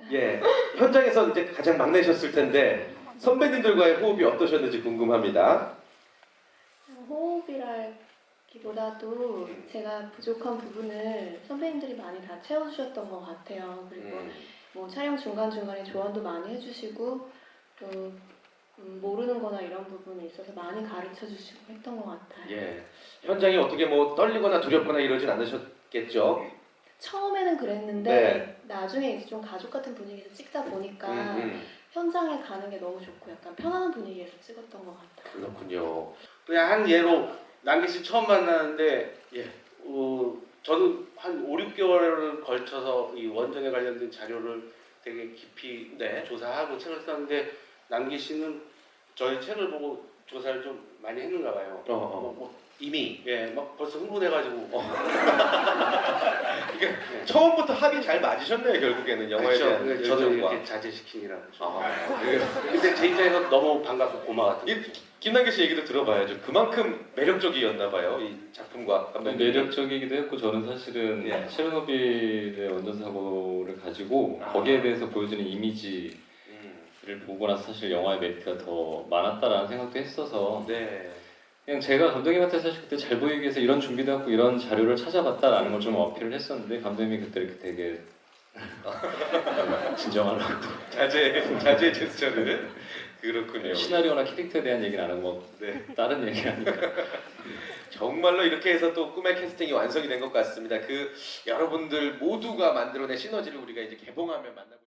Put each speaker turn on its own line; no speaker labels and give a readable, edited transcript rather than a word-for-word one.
예, 현장에서 이제 가장 막내셨을 텐데 선배님들과의 호흡이 어떠셨는지 궁금합니다.
호흡이라기보다도 제가 부족한 부분을 선배님들이 많이 다 채워주셨던 것 같아요. 그리고 뭐 촬영 중간중간에 조언도 많이 해주시고 또 모르는 거나 이런 부분에 있어서 많이 가르쳐 주시고 했던 것 같아요.
예, 현장이 어떻게 뭐 떨리거나 두렵거나 이러진 않으셨겠죠?
처음에는 그랬는데
네.
나중에 이제 좀 가족 같은 분위기에서 찍다 보니까 현장에 가는 게 너무 좋고 약간 편안한 분위기에서 찍었던 것 같아요.
그렇군요.
그냥 한 예로 남기 씨 처음 만나는데
예.
저는 한 5, 6개월을 걸쳐서 이 원전에 관련된 자료를 되게 깊이 조사하고 책을 썼는데 남기 씨는 저희 책을 보고 조사를 좀 많이 했는가 봐요.
이미
막 벌써 흥분해가지고.
이게 처음부터 합이 잘 맞으셨네요, 결국에는 영화에 대한
그렇죠. 저도
열정과.
이렇게 자제시키느라고.
아,
근데 제 입장에서 너무 반갑고 고마웠던 거죠.
김남길 씨 얘기도 들어봐야죠. 그만큼 매력적이었나 봐요, 이 작품과 감독님.
매력적이기도 했고 저는 사실은
예.
체르노빌의 원전 사고를 가지고 거기에 대해서 보여주는 이미지를 보고 나서 사실 영화의 메리트가 더 많았다라는 생각도 했어서
네.
그냥 제가 감독님한테 사실 그때 잘 보이기 위해서 이런 준비도 하고 이런 자료를 찾아봤다라는 걸 좀 어필을 했었는데 감독님이 그때 이렇게 되게 진정하라고
자제 제스처를. 그렇군요.
시나리오나 캐릭터에 대한 얘기는 안 하고 뭐
네.
다른 얘기하니까
정말로 이렇게 해서 또 꿈의 캐스팅이 완성이 된 것 같습니다. 그 여러분들 모두가 만들어낸 시너지를 우리가 이제 개봉하면 만나볼.